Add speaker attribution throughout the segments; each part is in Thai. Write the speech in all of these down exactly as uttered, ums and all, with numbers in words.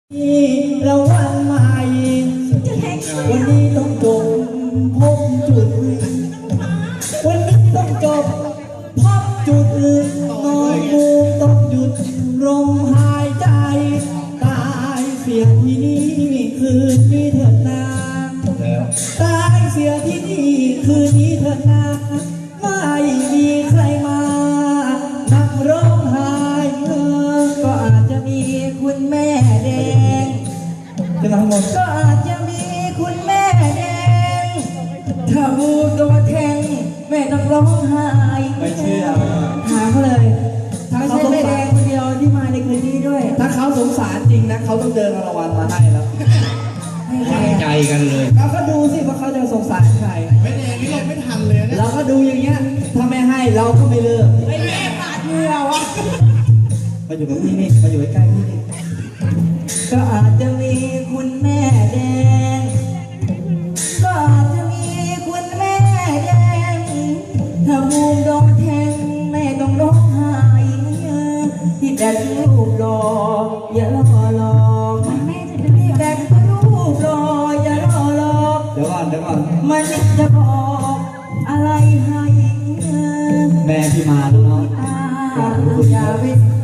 Speaker 1: เราวันใหม่วันนี้ต้องจบพบจุดวันนี้ต้องจบพบจุดนอนกูต้องหยุดลมหายใจตายเสียที่นี่คืนนี้เถิดนาตายเสียที่นี่คืนนี้เถิดนาไม่มีใครมานั่งร้องไห้ก็อาจจะมีคุณแม่แดงจะทั้งหมดก็อาจจะมีคุณแม่แดงถ้าบูโดนแทงแม่ต้องร้องไห้ไม่เชื่อถามเขาเลยถ้าใช่แม่แดงคนเดียวที่มาในคืนนี้ด้วยถ้าเขาสงสารจริงนะเขาต้องเดินรางวัลมาให้แล้วให้ใจกันเลยเราก็ดูสิว่าเขาจะสงสารใครไม่แดงนี่เราไม่ทันเลยเราก็ดูอย่างเงี้ยถ้าไม่ให้เราก็ไม่เลิกไม่แม่ปาดเหงื่อวะมาอยู่กับพี่นี่มาอยู่ใกล้ๆพี่นี่ก็อาจจะมีคุณแม่แดงก็อาจจะมีคุณแม่แดงถ้าบูมโดนแทงแม่ต้องร้องไห้ที่แดงรูปหล่ออย่ารอหลอกแม่จะที่แดงรูปหล่ออย่ารอหลอกเดี๋ยวก่อนเดี๋ยวก่อนมันจะบอกอะไรให้แม่ที่มาลูกน้องอย่าไป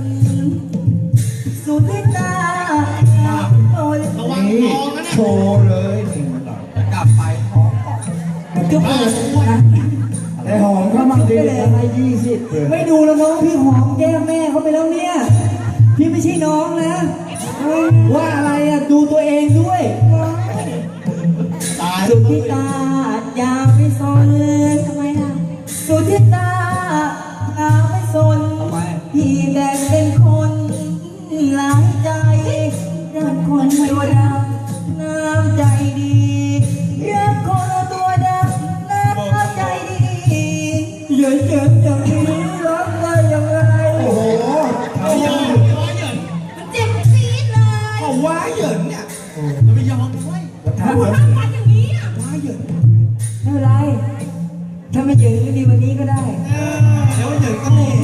Speaker 1: สุดที่ตาโอ้ยระวังทองนะโชว์เลยกลับไปท้องก็เปิดนะไอหอมเขามั่งดีอะไรยี่สิบไม่ดูแล้วน้องพี่หอมแก้มแม่เขาไปแล้วเนี่ยพี่ไม่ใช่น้องนะว่าอะไรอ่ะดูตัวเองด้วยสุดที่ตาอย่าไปสนทำไมล่ะสุดที่ตาอย่าไปสนพี่แดงเป็นคนหลายใจรักคนตัวดำน้ำใจดีรักคนตัวดำน้ำใจดีอย่าเจ็บอย่างนี้รักได้ยังไงโอ้โหเอาอย่างนี้ว่าเหยินมันเจ็บจี๊ดเลยเอาว่าเหยินเนี่ยจะไปยอมด้วยถ้าหัวหน้าฟันอย่างนี้อ่ะว่าเหยินไม่เป็นไรถ้าไม่เหยินก็ดีวันนี้ก็ได้เดี๋ยวเหยินก็รู้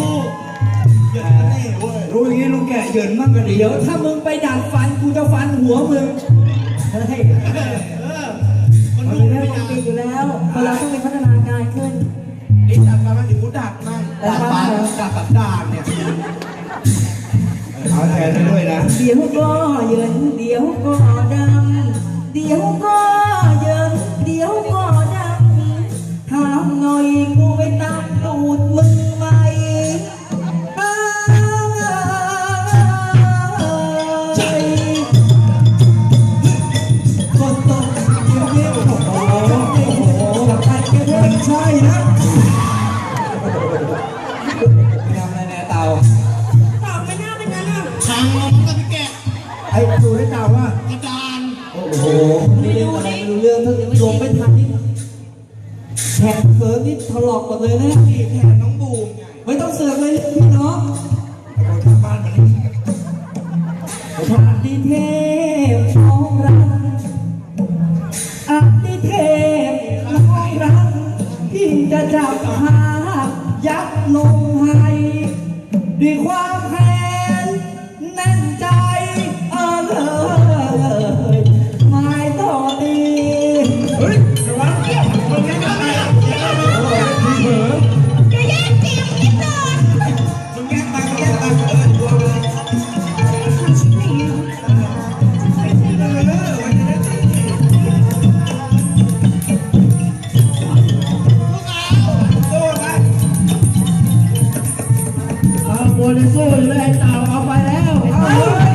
Speaker 1: รู้อย่างนี้ลุงแกเหยินมั่งก็ดีเดี๋ยวถ้ามึงไปดัดฟันกูจะฟันหัวมึงเฮ้ยมันดูไม่ได้จริงอยู่แล้วคนเราต้องมีพัฒนาการขึ้นนี่ดัดฟันมันถึงกูดัดมั่งดัดฟันดัดสันดานเนี่ยเอาแทนไปด้วยนะเดี๋ยวก็เหยินเดี๋ยวก็ดำเดี๋ยวก็เหยินเดี๋ยวก็ดำถามหน่อยกูไปตัดตูดมึงไหมใช่นะทำอะไรแน่เต่าเต่าไม่น่าเป็นงั้นอ่ะทางลมกับพี่แกไอ้ดูได้เต่าว่ากระดานโอ้โหไม่รู้อะไรไม่รู้เรื่องทั้งลมไม่ทันนี่แผลเคิร์ฟนี่ถลอกหมดเลยนะนี่แผลน้องบูมไม่ต้องเสือกเลยพี่น้องไปทางบ้านมันนี่ผ่านดีเทพของเราอันดีเทพของเราที่จะจับหายัดลงให้ด้วยความแค้นแน่นใจเออเลยไม่ต่อดีเฮ้ยระวังเกี่ยวมึงแย่งอะไรอ่ะมึงเผลอจะแย่งเตียงนิดหน่อยมึงแย่งตังค์แย่งตังค์เออดูเลยทำชิ้นนี้โบนัสโซ่เลยเต่าเอาไปแล้ว